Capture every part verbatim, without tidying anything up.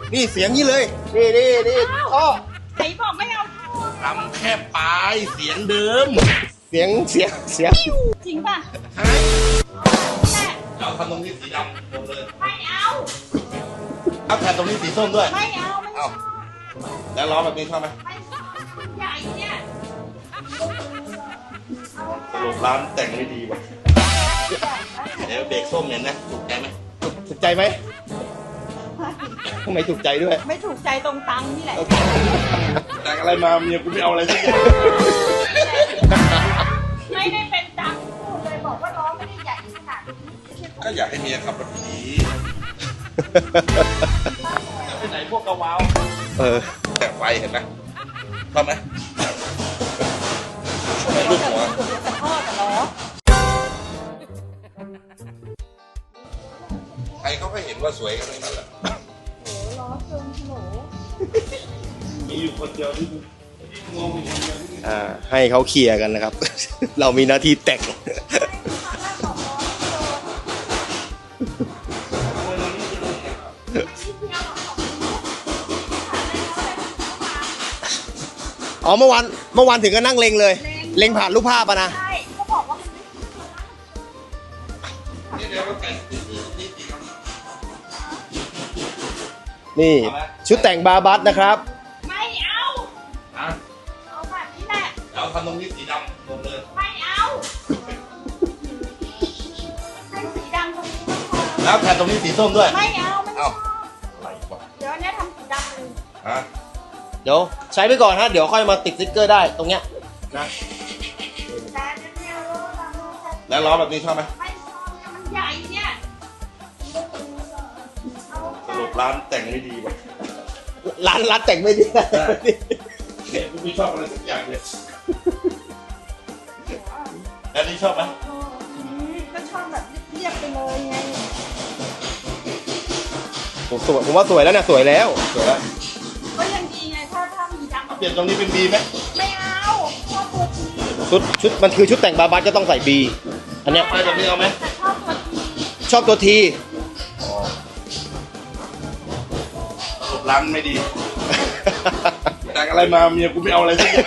นี่เสียงนี้เลยนี่นี่นี่ท่อไหนบอกไม่เอาทำแค่ปลายเสียงเดิมเสียงเสียงเสียงจริงป่ะฮะแม่เอาทำตรงนี้สีดำหมดเลยไม่เอาเอาแผ่นตรงนี้สีส้มด้วยไม่เอาไม่เอาแล้วล้อแบบนี้ชอบไหมไม่ชอบมันใหญ่เนี่ยสรุปร้านแต่งไม่ดีว่ะเดี๋ยวเบรกส้มเนี่ยนะถูกใจไหมถูกใจไหมทำไมถูกใจด้วยไม่ถูกใจตรงตังค์นี่แหละแต่งอะไรมาเมียกูไม่เอาอะไรสักอย่างไม่ได้เป็นตังค์พูดเลยบอกว่าล้อไม่ได้ใหญ่ขนาดนี้ก็อยากให้เมียขับรถผีจะไปไหนพวกกระวาวเออแต่ไฟเห็นไหมชอบไหมชอบไหมลูกหัวปวดหัวแต่ท่อแต่ล้อใครเขาก็เห็นว่าสวยกันทั้งนั้นแหละล้อเกินโหลมีอยู่คนเดียวที่งงอยู่คนเดียวที่อ่าให้เขาเคลียร์กันนะครับ เรามีหน้าที่แต่ง อ๋อเมื่อวานเมื่อวานถึงก็นั่งเลงเลย เลงผ่านรูปภาพอะนะใช่เขาบอกว่ามันไม่นี่เดี๋ยวเราแต่งที่ที่ที่ที่ครับนี่ชุดแต่งบาบัสนะครับไม่เอาอ่ะเอาแบบนี้แหละเราทำตรงนี้สีดำหมดเลยไม่เอาให้สีดำตรงนี้ก็พอแล้วแผ่นตรงนี้สีส้มด้วยไม่เอาไม่ชเอ้าอบอะไรวะเดี๋ยวอันเนี้ยทำสีดำเลยฮะเดี๋ยวใช้ไปก่อนฮะเดี๋ยวค่อยมาติดสติ๊กเกอร์ได้ตรงเนี้ยนะแต่เดี๋ยวเนี่ยล้อเราจะแล้วล้อแบบนี้ชอบไหมไม่ชอบเนี่ยมันใหญ่เนี่ยเอาสรุปร้านแต่งไม่ดีว่ะร้านร้านแต่งไม่ดีเนี่ยกูไม่ชอบอะไรสักอย่างเลยแล้วนี่ชอบไหมอืมก็ชอบแบบเรียบๆไปเลยไงผมสวยผมว่าสวยแล้วเนี่ยสวยแล้วสวยแล้วก็ยังดีไงถ้าถ้ามีดำเปลี่ยนตรงนี้เป็นบีไหมไม่เอาชอบตัวทีชุดชุดมันคือชุดแต่งบาบัสก็ต้องใส่บีอันเนี้ยไปแบบนี้เอาไหมแต่ชอบตัวทีชอบตัวทีสรุปร้านไม่ดี แต่งอะไรมาเมียกูไม่เอาอะไรสักอย่าง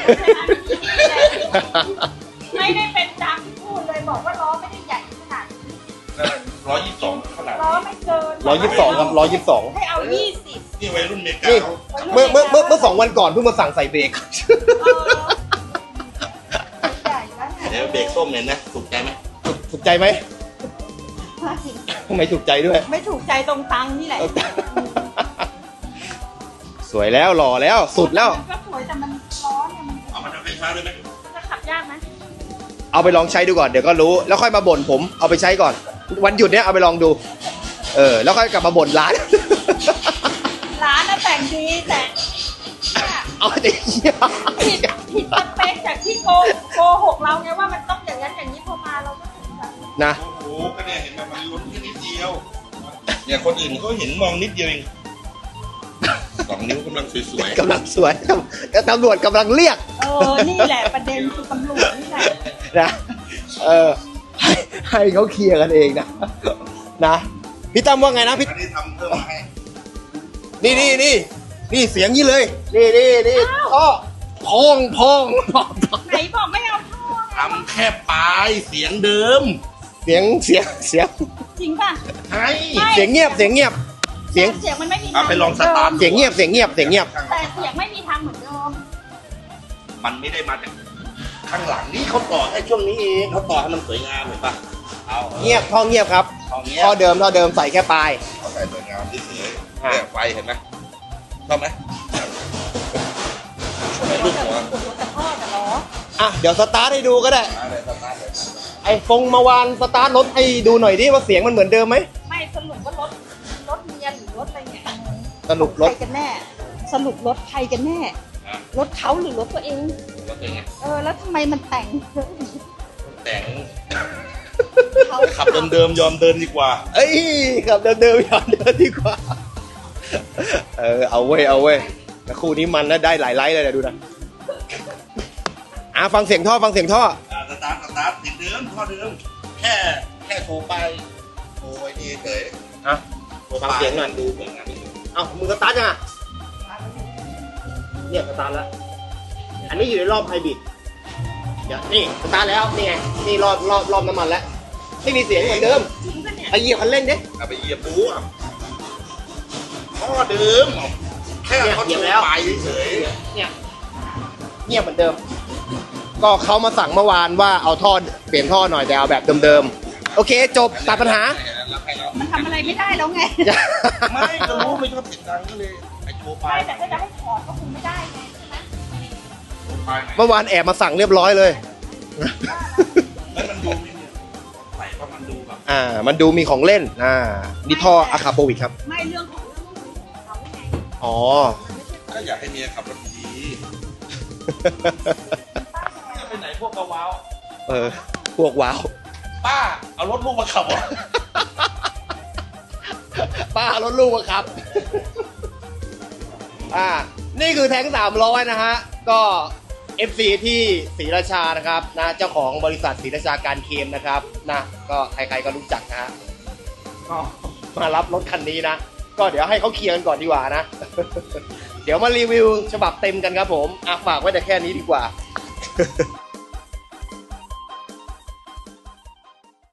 ไม่ได้เป็นตังค์พูดเลยบอกว่าล้อไม่ได้ใหญ่ขนาดนี้ร้อยยี่สิบสองขนาดล้อไม่เกินร้อยยี่สิบสองครับร้อยยี่สิบสองให้เอายี่สิบนี่วัยรุ่นเมกานี่เขาเมื่อเมื่อเมื่อเมื่อสองวันก่อนเพิ่งมาสั่งใส่เบรกเออใหญ่แล้วเนี่ยเดี๋ยวเบรกส้มเนี่ยนะถูกใจไหมถูกใจไหมทำไมถูกใจด้วยไม่ถูกใจตรงตังค์นี่แหละสวยแล้วหล่อแล้วสุดแล้วมันก็สวยแต่มันล้อเนี่ยมันเอามาทำไฟฟ้าด้วยไหมจะขับยากไหมเอาไปลองใช้ดูก่อนเดี๋ยวก็รู้แล้วค่อยมาบ่นผมเอาไปใช้ก่อน วันหยุดเนี้ยเอาไปลองดู เออ แล้วค่อยกลับมาบ่นร้านร้านน่ะแต่งดีแต่เนี่ยเอาไอ้เหี้ยผิดผิดสเปคจากที่โกโกหกเราไงว่ามันต้องอย่างนั้นอย่างนี้พอมาเราก็ถูกใจนะโอ้โหก็เนี่ยเห็นไหมมันลุ้นแค่นิดเดียวเนี่ยคนอื่นเขาเห็นมองนิดเดียวเองสองนิ้วกำลังสวยกำลังสวยตำรวจกำลังเรียกเออนี่แหละประเด็นคือตำรวจนี่แหละนะเออให้ให้เขาเคลียร์กันเองนะนะพี่ตั้มว่าไงนะพี่ๆอันนี้ทำเพิ่มมาให้นี่นี่นี่นี่เสียงนี้เลย นี่นี่นี่ท่อพองพองพองไหนบอกไม่เอาท่อทำแค่ปลายเสียงเดิมเสียงเสียงเสียงจริงป่ะให้เสียงเงียบเสียงเงียบ เสียงเสียงมันไม่มีเอาทางไปลองสตาร์ทเสียงเงียบเสียงเงียบเสียงเงียบแต่เสียงไม่มีทางเหมือนเดิมมันไม่ได้มาจากข้างหลังนี่เขาต่อให้ช่วงนี้เองเขาต่อให้มันสวยงามเห็นปะเอาเงียบท่อเงียบครับเอาเงี้ยท่อเดิมท่อเดิมใส่แค่ปลายเขาใส่สวยงามที่สวยอ่ะเนี่ยไฟเห็นไหมชอบไหมชอบไหมลูกหัวปวดหัวแต่ท่อแต่ล้ออ่ะเดี๋ยวสตาร์ทให้ดูก็ได้มาเลยสตาร์ทเลยไอ้ฟงมาวานสตาร์ทรถให้ดูหน่อยดิว่าเสียงมันเหมือนเดิมไหมไม่สรุปว่ารถรถเมียหรือรถอะไรเนี่ยสรุปรถใครกันแน่ สรุปรถใครกันแน่อ่ะรถเขาหรือรถตัวเองรถเป็นไงเออแล้วทำไมมันแต่งเยอะอย่างนี้แต่งเขาขับเดิมๆยอมเดินดีกว่าเอ้ยขับเดิมๆย้อนเดินดีกว่า เออเอาเว้ยเอาเว้ยแต่คู่นี้มันนะได้หลายไลค์เลยนะดูนะอ่ะฟังเสียงท่อฟังเสียงท่ออ่าสตาร์ทสตาร์ทติดเดิมท่อเดิมแค่แค่โทรไปโทรไอ้นี่เฉยอ่ะโทรฟังเสียงหน่อยดูเหมือนงานนี้เอามึงสตาร์ทยังอ่ะเนี่ยสตาร์ทแล้วอันนี้อยู่ในรอบไฮบริดเดี๋ยวนี่สตาร์ทแล้วนี่ไงนี่รอบรอบรอบน้ำมันแล้วไม่มีเสียงเหมือนเดิมจริงปะเนี่ยไปเหยียบคันเร่งดิเอาไปเหยียบปูอ่ะท่อเดิมแค่เขาเหยียบโชแล้วว์ปลายเฉยเนี่ยเงียบเหมือนเดิม ก็เขามาสั่งเมื่อวานว่าเอาท่อเปลี่ยนท่อหน่อยแต่เอาแบบเดิมๆโอเคจบตัดปัญหารับให้เรามันทำอะไรไม่ได้แล้วไงไม่ก็รู้ไม่ชอบเสียงดังก็เลยไอ้โชว์ปลาใช่ยแต่ถ้าจะให้ถอดก็คงไม่ได้ไงใช่ไหมโชว์ปลายไหนเมื่อวานแอบมาสั่งเรียบร้อยเลยแล้วมันดูไม่เนี่ยใส่เพราะมันดูแบบอ่า มันดูมีของเล่น อ่านี่ท่ออะคาโปวิกครับไม่เรื่องของเรื่องของเขาไงอ๋อก็อยากให้เมียขับรถดีจะไปไหนพวกกระว้าวเออ พวกว้าวป้าเอารถลูกมาขับเหรอป้ารถลูกอะครับ อ่า นี่คือแท้งสามร้อยนะฮะ ก็ เอฟ ซี ที่ศรีราชานะครับนะเจ้าของบริษัทศรีราชาการเคมนะครับนะก็ใครๆก็รู้จักนะฮะก็มารับรถคันนี้นะ ก็เดี๋ยวให้เขาเคลียร์กันก่อนดีกว่านะ เดี๋ยวมารีวิวฉบับเต็มกันครับผมอ่ะฝากไว้แต่แค่นี้ดีกว่า